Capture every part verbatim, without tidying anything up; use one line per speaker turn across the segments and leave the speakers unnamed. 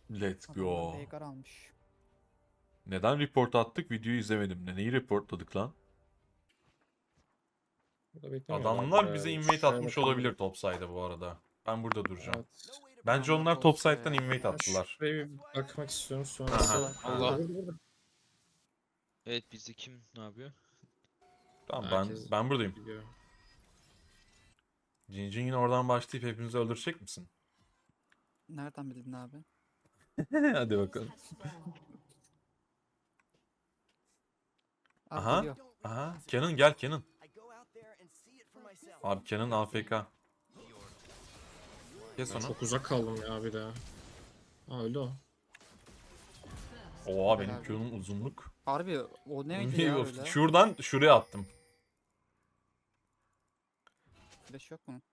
Let's
Adamlar
go.
Veigar almış.
Neden report attık? Videoyu izlemedim. Ne, neyi reportladık lan?
Burada beklemiyorlardır
Adamlar bize
herhalde.
invade
Şuraya
atmış
bakalım.
olabilir topside'a bu arada. Ben burada duracağım.
Evet.
Bence
Adamlar
onlar
bozuyor
topside'dan
ya.
invade
Ben
attılar.
şuraya bir bakmak istiyorum
Aha,
sonrası. Allah
aha.
burada burada.
Evet bizde kim ne yapıyor?
Tamam ben
Herkes
ben buradayım.
gidiyor.
Cincin yine oradan başlayıp hepimizi öldürecek misin?
Nereden bildin abi?
Hadi bakalım.
Abi
Aha.
geliyor.
Aha. Canon gel Canon. Abi Canon A F K. Kes
Ben
onu.
çok uzak kaldım ya bir daha. Aa öldü o.
Oha benim
Helal.
Q'nun uzunluk.
Harbi o neydi ya öyle?
Şuradan şuraya attım.
Flash yok mu?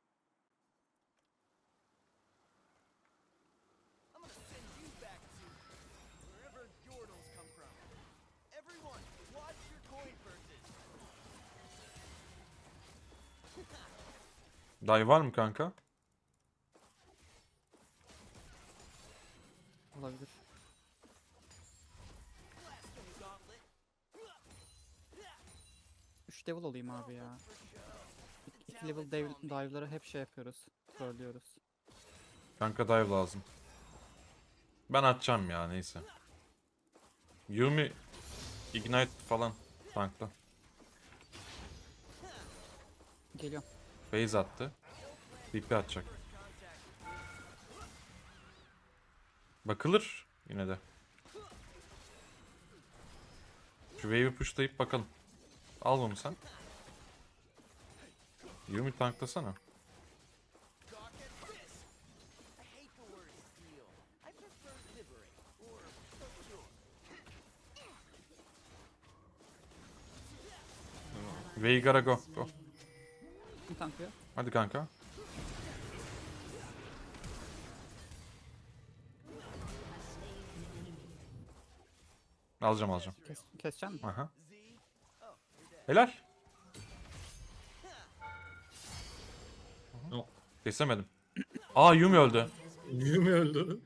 Dive var mı kanka?
Olabilir. üç level olayım abi ya. iki level dive- dive'ları hep şey yapıyoruz. Trollüyoruz.
Kanka dive lazım. Ben atacağım ya neyse. Yumi Ignite falan tankta.
Geliyor.
Phase attı. D P atacak. Bakılır yine de. Şu wave'i pushlayıp bakalım. Al onu sen. Yumi tanklasana. Veigar'a go. Go.
Bir tanklıyor.
Hadi kanka. Alacağım alacağım.
Kes, kesecek misin?
Aha. Helal.
O.
Kesemedim. Aa Yumi öldü.
Yumi öldü.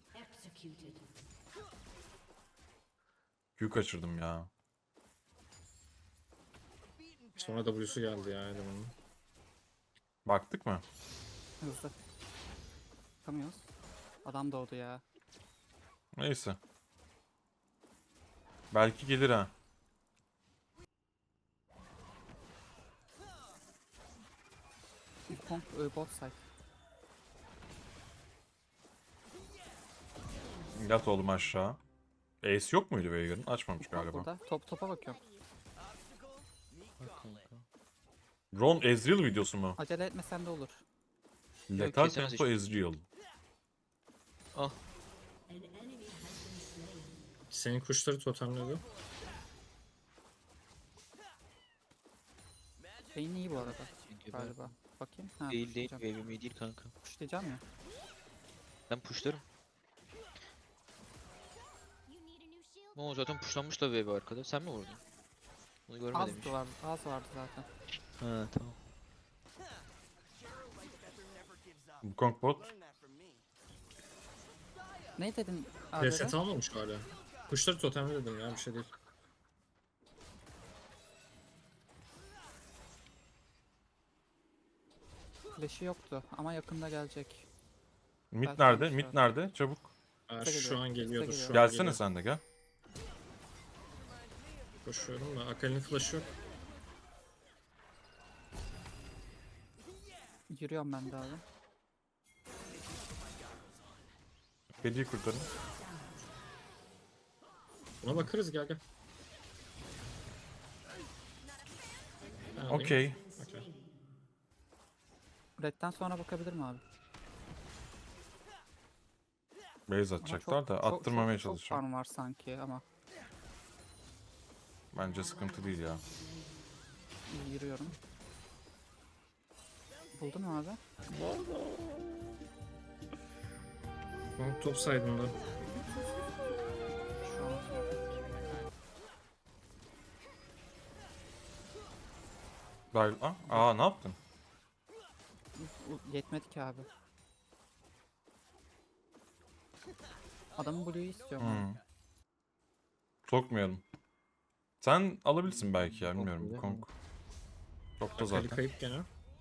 Q kaçırdım ya.
Sonra W'su geldi ya elemanın.
Baktık mı?
Hızlı. Bakamıyoruz. Adam doğdu ya.
Neyse. Belki gelir ha.
Kong e, bot side.
Yat oğlum aşağı. Ace yok muydu Veigar'ın? Açmamış
Kong
galiba.
burada. Top topa bakıyorum.
Ron Ezreal videosu mu?
Acele etmesen de olur.
Lethal
kesemez
Tempo Ezreal.
Ah
Senin kuşları totemledi.
Beyin iyi bu arada
geber.
galiba. Bakayım. Ha,
Değil değil
pushlayacağım.
wave'im değil kanka.
Pushlayacağım ya.
Ben pushlarım. Ne zaten pushlanmış da wave arkada. Sen mi vurdun? Bunu görmedim hiç.
Az vardı, az vardı zaten.
Ha tamam.
Wukong bot.
Ne dedin abi?
Reset almamış hala. Kuşları totemledim ya bir şey değil.
Flash'ı yoktu ama yakında gelecek.
Mid
Belki
nerede?
almışlar.
Mid nerede? Çabuk.
Aa,
Size
şu
geliyor,
an
size
geliyordur
geliyor.
şu an
Gelsene
geliyor.
sen de gel.
Koşuyorum da Akali'nin flash'ı yok.
Yürüyorum ben de abi.
Kediyi kurtarın.
Buna bakarız gel gel. Ben alayım.
Okey.
Okey.
Red'den sonra bakabilir mi abi?
Base
Ama
atacaklar
çok-
da
çok-
attırmamaya
çok, çok
çalışacağım.
farm var sanki ama
Bence sıkıntı değil ya.
iyi yürüyorum. Buldun mu abi?
Tamam, top saydığında.
Şu an
Dive... Aa, aa ne yaptın?
U- yetmedi ki abi. Adamın Blue'yu istiyorum. abi.
Hmm. Sokmayalım. Sen alabilirsin belki ya bilmiyorum.
Kong
Kong. Çok da
Akali
zaten.
kayıp gene.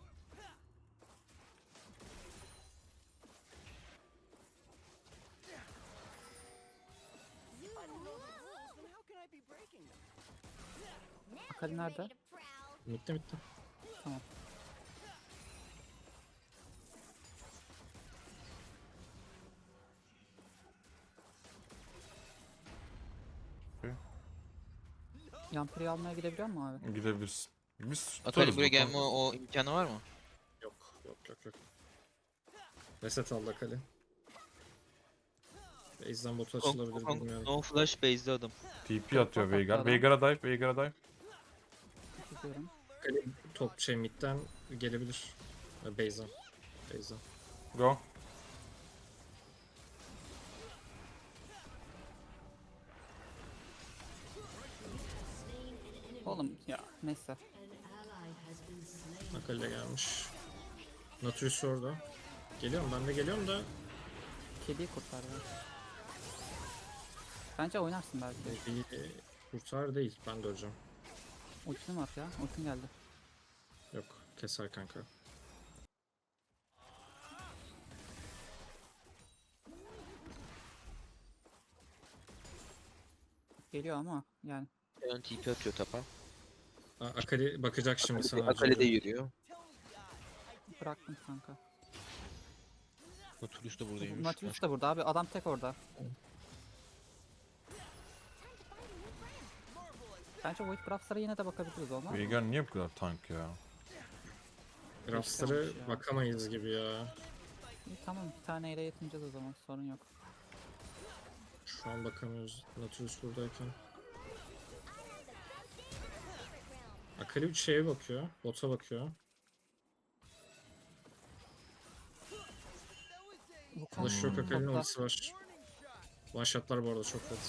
Akali nerede?
Bitti bitti.
Tamam. Yampiri almaya gidebiliyor mu abi?
Gidebilirsin. Biz
Akali
tutarız
buraya
bu
gelme
Kong.
o, o imkanı var mı?
Yok yok yok yok. Reset aldı Akali. Base'den botu
Kong,
açılabilir
Kong,
bilmiyorum.
no flash base'de adam.
T P atıyor
Bak,
Veigar.
adam.
Veigar'a dive, Veigar'a dive.
Gidiyorum.
Akali top şey midden gelebilir. E, Base'den. Base'den.
Go.
Oğlum ya neyse.
Akali de gelmiş. Nautilus orada. Geliyorum ben de geliyorum da
Kediyi kurtar ya. Bence oynarsın belki.
iyi kurtar değil. Ben de öleceğim.
Ultim var ya. Ultim geldi.
Yok keser kanka.
Geliyor ama yani.
Ön T P atıyor tapa.
Aa, Akali bakacak şimdi
Akali,
sana.
Akali de
acıyor.
yürüyor.
Bıraktım kanka.
Nautilus da buradaymış.
Nautilus da burada abi. Adam tek orada. Bence Void Grafs'lara yine de bakabiliriz olmaz mı?
Veigar niye bu kadar tank ya?
Raps'lara
Yaşlanmış ya.
bakamayız gibi ya.
İyi, tamam bir taneyle yetineceğiz o zaman. Sorun yok.
Şu an bakamıyoruz. Nautilus buradayken. Akali bir şeye bakıyor. Bota bakıyor.
Bu
Flash yok, Akali'nin
topla.
ultisi var. One shot'lar bu arada çok kötü.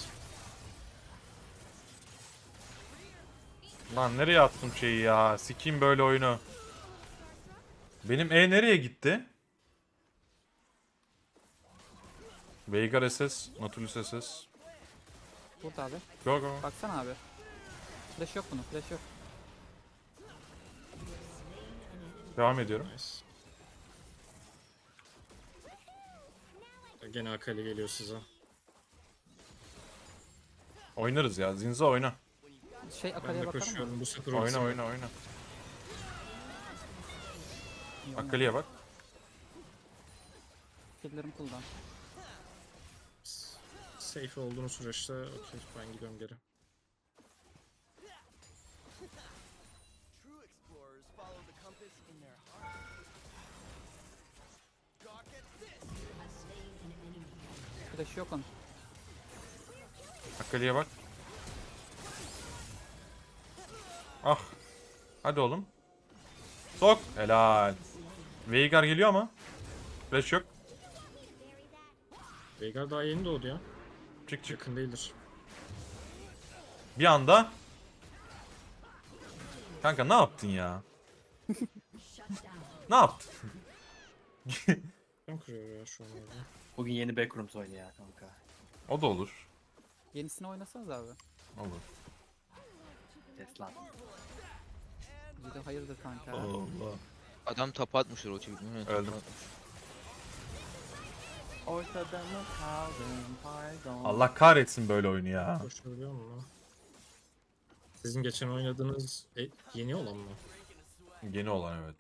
Lan nereye attım şeyi ya? Sikeyim böyle oyunu. Benim E nereye gitti? Veigar S S, Nautilus S S.
Burada abi.
Go go.
Baksana abi. Flash yok bunun. Flash yok.
Devam ediyorum.
Nice. Gene Akali geliyor size.
Oynarız ya. Zinza oyna.
Şey
Ben
Akali'ye
de
bakalım mı?
koşuyorum. Bu sefer
Oyna
ultisi
oyna oyna.
İyi oynadı.
Akali'ye bak.
Skill'lerim kullan.
safe olduğunu süreçte okey ben gidiyorum geri.
True explorers follow the compass in their heart. Gawk at this!
Flash yok onun.
Akali'ye bak. Ah. Hadi oğlum. Sok. Helal. Veigar geliyor ama. Flash yok.
Veigar daha yeni doğdu ya.
Çık çık.
Yakın değildir.
Bir anda. Kanka ne yaptın ya? Ne yaptın?
Kim kırıyor ya şu an orada?
Bugün yeni Backrooms oynuyor ya kanka.
O da olur.
Yenisini oynasanız abi.
Olur.
Tesla.
Bir de hayırdır kanka.
Allah.
Adam tapa atmışlar o çocuk. Muhtemelen tapa
Öldüm.
atmış.
Ortada mı kaldın pardon.
Allah kahretsin böyle oyunu ya.
Koşabiliyor mu lan? Sizin geçen oynadığınız e, yeni olan mı?
Yeni olan evet.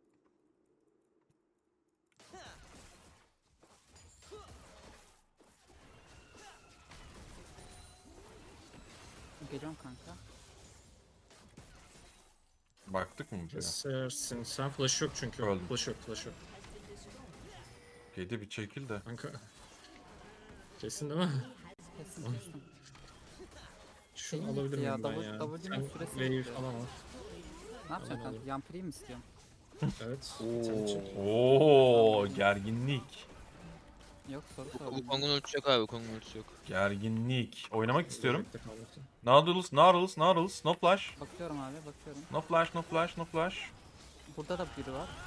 Geliyorum kanka.
Baktık mı buraya?
Kesersin. Sen flash yok çünkü.
Öldüm.
Flash yok, flash yok.
Kedi bir çekil de.
Kanka. Kesin değil mi?
Kesin kestim.
Şunu
Şeyin
alabilir
bitti ya,
miyim ben
W-
ya?
W'nun
Sen
süresi
wave
bitti.
falan al.
Ne yapacaksın
Alayım,
kanka?
alayım.
Yampiri'yi mi istiyorsun?
Evet. Sen çek.
Oo, gerginlik.
Yok soru
Bu
sordum.
Kong'un ultisi yok abi. Kong'un ultisi yok.
Gerginlik. Oynamak istiyorum.
Bekle kalmasın.
Nautilus, Nautilus, Nautilus. No flash.
Bakıyorum abi bakıyorum.
No flash, no flash, no flash.
Burada da biri var.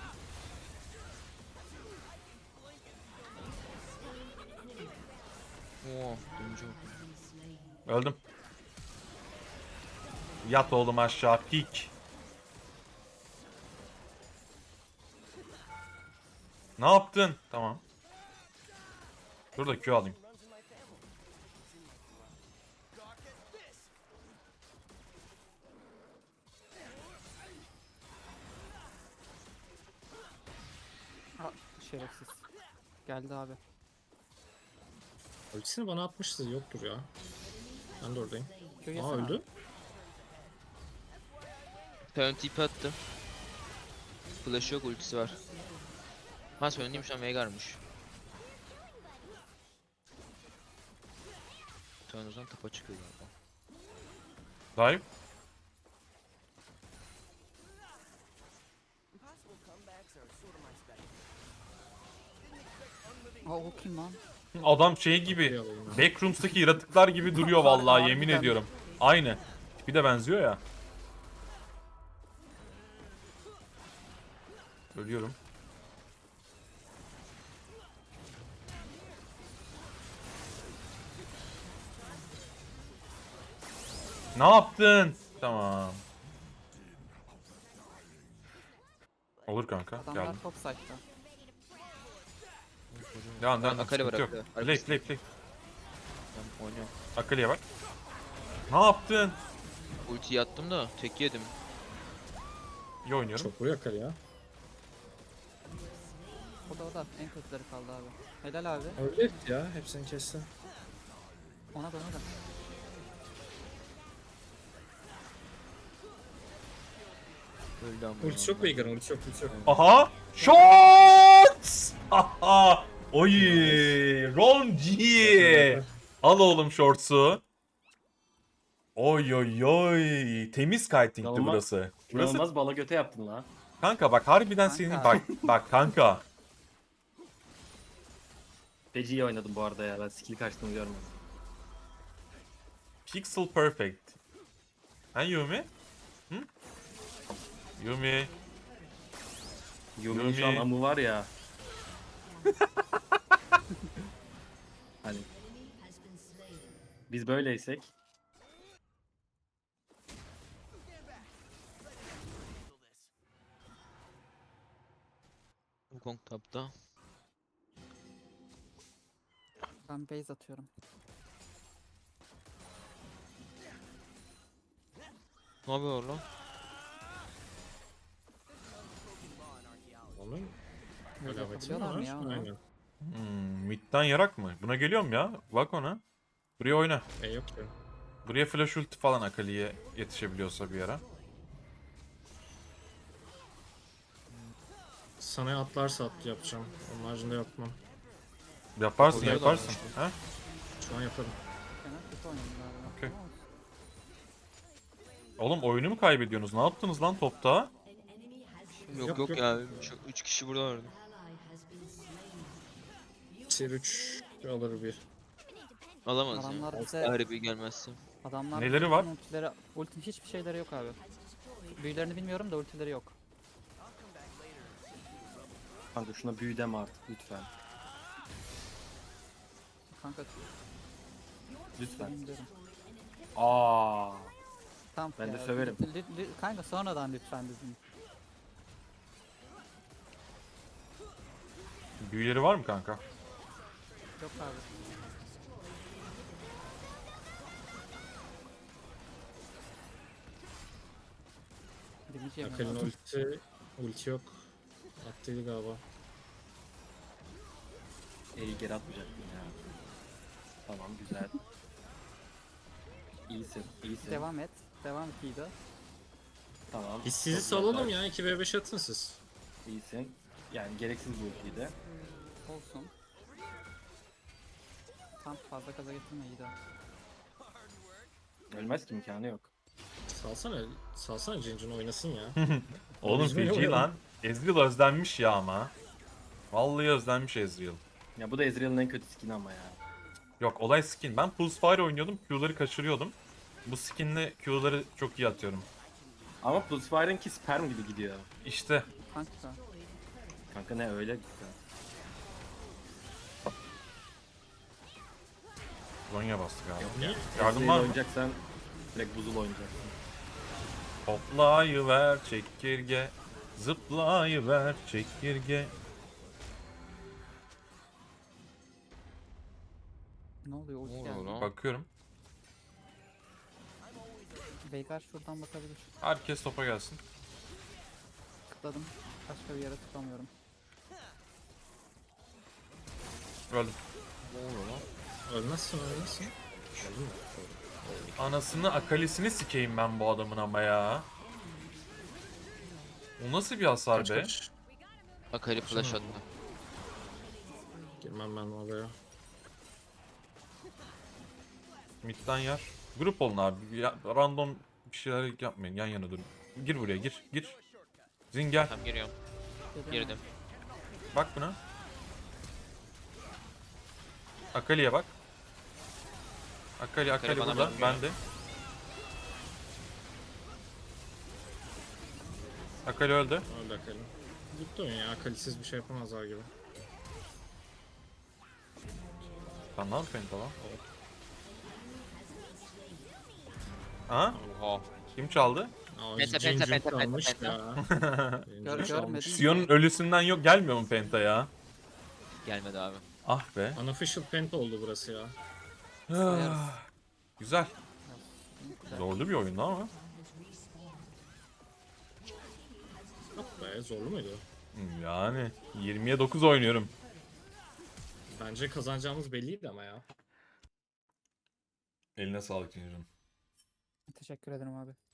Oh, dönücü oldu.
Öldüm. Yat oğlum aşağı pik. Ne yaptın? Tamam. Dur da Q alayım.
Runs in my family. Gawk at this.
Aa, şerefsiz. Geldi abi.
Ultisini bana atmıştı. Yoktur ya. Ben de oradayım.
Q
Aa
yesene abi.
öldü.
Talon TP attı. Flash yok, ultisi var. Ha söylediğim an Veigar'mış. Talon o zaman tapa çıkıyor galiba.
Dive.
Impossible comebacks are sort of my specialty. Didn't expect unliving
Aa o kim lan?
Adam şey gibi.
Alayım ya.
Backrooms'taki yaratıklar gibi duruyor vallahi yemin
Harbiden.
ediyorum. Aynı. Bir de benziyor ya. Ölüyorum. Ne yaptın? Tamam. Olur kanka.
Adamlar
Geldim.
top site'da.
Devam devam.
Akali var,
Sıkıntı yok.
Akali.
Play play play.
Ben oynuyorum.
Akali'ye bak. Ne yaptın?
Ultiyi attım da tek yedim.
İyi oynuyorum.
Çok vuruyor Akali ya.
O da o da en kötüleri kaldı abi. Helal abi.
Öyle etti ya. Hepsini kesti.
Ona da ona da.
Öldü ama.
Ultisi yok Veigar'ın. Ultisi yok. Ultisi yok.
Aha! Shorts! Aha! Oy! Ron G! Al oğlum shorts'u. Oy oy oy! Temiz kiting'ti
İnanılmaz-
burası. Burası
İnanılmaz bala göte yaptın lan.
kanka bak harbiden
Kanka.
senin bak bak kanka.
Feci iyi oynadım bu arada ya. Ben skill kaçtığını görmedim.
Pixel perfect. Ha Yumi? Hı? Yumi.
Yumi'nin şu an
Yumi.
amı var ya. Hani biz böyleysek
Wukong tapta.
Ben base atıyorum.
Ne yapıyor lan?
Onun
Böyle
alameti mi
yapabiliyorlar
var?
mı ya onu?
Aynen.
Hmm, midden yarak mı? Buna geliyorum ya. Bak ona. Buraya oyna.
E yok ya.
Buraya flash ulti falan Akali'ye yetişebiliyorsa bir ara.
Sana atlarsa at yapacağım. Onun haricinde yapmam.
Yaparsın
Oluyor da
yaparsın.
ama
Ha?
Şu an yaparım.
Fena kötü oynadım galiba.
Okey.
Ama olsun.
Oğlum oyunu mu kaybediyorsunuz? Ne yaptınız lan topta?
Yok
Yok,
yok,
yok.
ya. üç kişi burada vardı.
Tier üç alır bir.
Alamaz ya.
Adamlar bize
Harbi gelmezse.
adamlar
Neleri var?
Ultileri, ulti hiçbir şeyleri yok abi. Büyülerini bilmiyorum da ultileri yok.
kanka şuna büyü deme artık lütfen.
Kanka
Lütfen.
bilmiyorum.
Aa.
Tamam
Ben de
ya,
söverim.
lü- lü- lü- kanka sonradan lütfen dedim.
Büyüleri var mı kanka?
Yok abi. Demeyeceğim
Akali'nin
ya.
ulti, ulti yok. Attıydı galiba.
E'yi geri atmayacaktım ya. Tamam güzel. İyisin, iyisin.
Devam et. Devam et Yiğit'e.
Tamam.
Biz sizi
Çok
salalım
güzel.
ya. iki ve beş atın siz.
İyisin. Yani gereksiz bu ultiyi de.
Olsun. Tam fazla kaza getirme Yiğit'e.
Ölmez ki imkanı yok.
Salsana, salsana Cincin oynasın ya.
Oğlum
Biz böyle
feci
oynayalım.
lan. Ezreal özlenmiş ya ama. Vallahi özlenmiş Ezreal.
Ya bu da Ezreal'ın en kötü skin'i ama ya.
Yok olay skin. Ben Pulse Fire oynuyordum. Q'ları kaçırıyordum. Bu skinle Q'ları çok iyi atıyorum.
Ama Pulsefire'ınki sperm gibi gidiyor.
İşte.
Kanka.
Kanka ne öyle gitti.
Zonya bastık abi.
Yok ya.
Yardım
Ezreal
var mı?
oynayacaksan direkt buzul oynayacaksın.
Hoplayıver çekirge. Zıplayıver çekirge.
Ne oluyor? Ulti
Ne oluyor
geldi.
lan?
Bakıyorum.
Veigar şuradan bakabilir.
Herkes topa gelsin.
Tıkladım. Başka bir yere tıklamıyorum.
Öldüm.
Ne oluyor lan?
Ölmezsin ölmezsin. Öldün mü?
Anasını akalisini sikeyim ben bu adamın ama ya. O nasıl bir hasar
Kaç
be?
kaç.
Akali flash attı.
Girmem ben oraya.
Mid'den yer. Grup olun abi. Ya, random bir şeyler yapmayın. Yan yana durun. Gir buraya gir. Gir. Zin gel.
Tamam giriyorum.
Geliyorum.
Girdim.
Bak buna. Akali'ye bak. Akali Akali
bana
burada.
bakmıyor.
Ben de. Akali öldü.
Öyle Akali. Gitti oyun ya. Akalisiz bir şey yapamazlar gibi.
Sen ne yapıyorsun penta lan? Ha?
Oha.
Kim çaldı?
Aa,
Penta,
Jin
penta,
Jin
penta,
kalmış
penta,
ya.
Gör,
Jin
görmedim.
kalmış.
Sion'un ölüsünden yok gelmiyor mu penta ya?
Gelmedi abi.
Ah be.
Unofficial penta oldu burası ya.
Sayarız.
Güzel.
Güzel.
Zorlu bir oyundu ama.
Yok be zorlu muydu?
Hmm, Yani yirmiye dokuz oynuyorum.
Bence kazanacağımız belliydi ama ya.
Eline sağlık Cincim.
Teşekkür ederim abi.